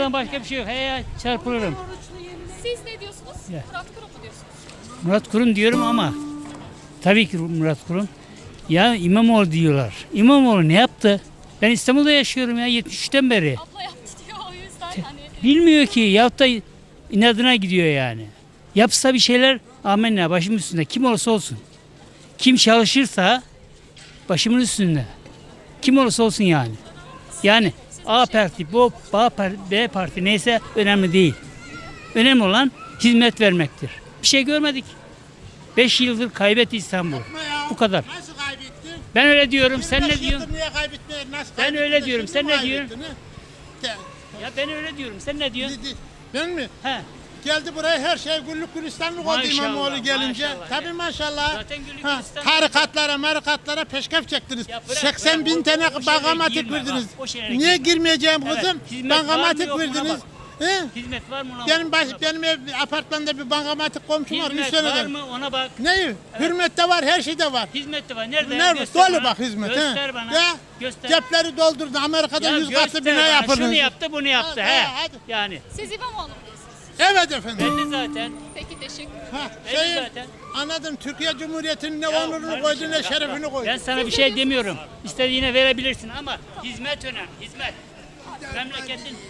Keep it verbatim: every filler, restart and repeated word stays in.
Ondan başka bir şey yok. He ya çarpılırım. Siz ne diyorsunuz? Ya. Murat Kurum mu diyorsunuz? Murat Kurum diyorum ama tabii ki Murat Kurum. Ya İmamoğlu diyorlar. İmamoğlu ne yaptı? Ben İstanbul'da yaşıyorum ya yetmiş üçten beri. Abla yaptı diyor o yüzden hani. Bilmiyor ki yaptı inadına gidiyor yani. Yapsa bir şeyler amenna başımın üstünde kim olursa olsun. Kim çalışırsa başımın üstünde. Kim olursa olsun yani. Yani A parti, bu B parti, B parti neyse önemli değil. Önemli olan hizmet vermektir. Bir şey görmedik. Beş yıldır kaybetti İstanbul. Bu kadar. Nasıl kaybettin? Ben öyle diyorum. Sen yirmi beş ne diyorsun? yıldır niye kaybetmeye? Nasıl Ben kaybettin öyle de diyorum. şimdi Sen mi ne diyorsun? kaybettin, ha? Ya ben öyle diyorum. Sen ne diyorsun? Dedi- Ben mi? He. Geldi buraya her şey güllük gülistanlık oldu Maşallah, İmamoğlu gelince. maşallah. Tabii maşallah. Zaten güllük Ha, gülistanlık. tarikatlara, marikatlara peşkef çektiniz. Ya bırak, seksen bırak, bin o- tane o şeylere bankamatik girme, verdiniz. bak, o şeylere Niye girme. girmeyeceğim Evet, kızım? hizmet var mı, Bankamatik yok mu, ona verdiniz. bak. He? Hizmet var mı ona? Benim, bak, baş, ona bak. benim ev, apartmanda bir bankamatik komşum var. Üç Hizmet var seneden. mı ona bak. Ne? Hürmette var, her şeyde var. Hizmet de var. Nerede? Nerede? Göster Dolu bana. bak hizmet. Göster he. bana. Ya, Göster. cepleri doldurdu. Amerika'da Ya yüz göster katlı bina bana. yapıldı. Şunu yaptı, bunu yaptı. Ha, He. ha, hadi. Yani. Siz İmamoğlu mu diyorsunuz? Evet efendim. Belli zaten. Peki teşekkür ederim. Ha, Belli şeyin, zaten. anladım. Türkiye Cumhuriyeti'nin ne Ya onurunu kardeşim, koydu ne bak, şerefini bak. koydu. Ben sana bir şey demiyorum. İstediğine verebilirsin ama hizmet önemli. Hizmet. Memleketin